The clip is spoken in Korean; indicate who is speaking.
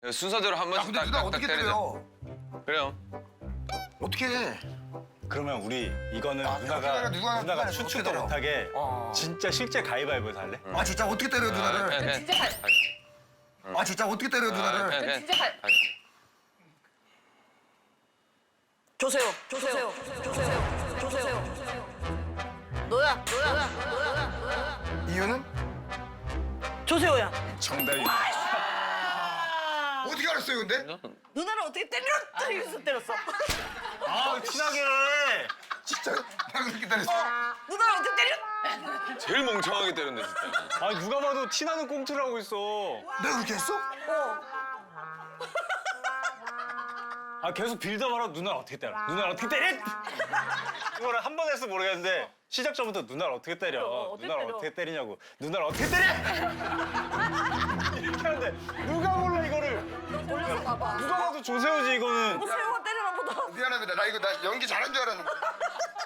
Speaker 1: 순서대로 한
Speaker 2: 야
Speaker 1: 번씩
Speaker 2: 근데 누나
Speaker 1: 딱딱딱
Speaker 2: 어떻게
Speaker 1: 때리자.
Speaker 2: 때려?
Speaker 1: 그래요.
Speaker 2: 어떻게 해?
Speaker 3: 그러면 우리 이거는
Speaker 2: 아,
Speaker 3: 누나가
Speaker 2: 누가 어떻게
Speaker 3: 추측도
Speaker 2: 때려?
Speaker 3: 못하게
Speaker 2: 어.
Speaker 3: 진짜 실제 가위바위보에서 할래?
Speaker 2: 아 진짜 어떻게 때려 누나를?
Speaker 4: 진짜 갈.
Speaker 2: 아 진짜 어떻게 때려 누나를?
Speaker 4: 진짜 갈. 조세호. 너야.
Speaker 2: 이유는?
Speaker 4: 조세호야.
Speaker 3: 정답이.
Speaker 2: 어떻게 알았어요 근데?
Speaker 4: 누나를 어떻게 때렸다 이래서 때렸어.
Speaker 3: 아 티나게.
Speaker 2: 진짜 나 그렇게 때렸어.
Speaker 4: 누나를 어떻게 때려?
Speaker 1: 제일 멍청하게 때렸네 진짜.
Speaker 3: 아 누가 봐도 티나는 꽁트를 하고 있어.
Speaker 2: 내가 그렇게 했어?
Speaker 3: 아 계속 빌드업하라 누나를 어떻게 때려? 누나를 어떻게 때려? 이거를 한 번 해서 모르겠는데 시작 전부터 누나를 어떻게 때려?
Speaker 4: 어떻게
Speaker 3: 누나를
Speaker 4: 때려?
Speaker 3: 어떻게 때리냐고. 누나를 어떻게 때려? 이렇게 하는데 누가 몰라 이거를.
Speaker 4: 몰라서 봐봐.
Speaker 3: 누가 봐도 조세호지 이거는.
Speaker 4: 세호가 때리나 보다.
Speaker 2: 미안합니다. 나 이거 나 연기 잘한 줄 알았는데.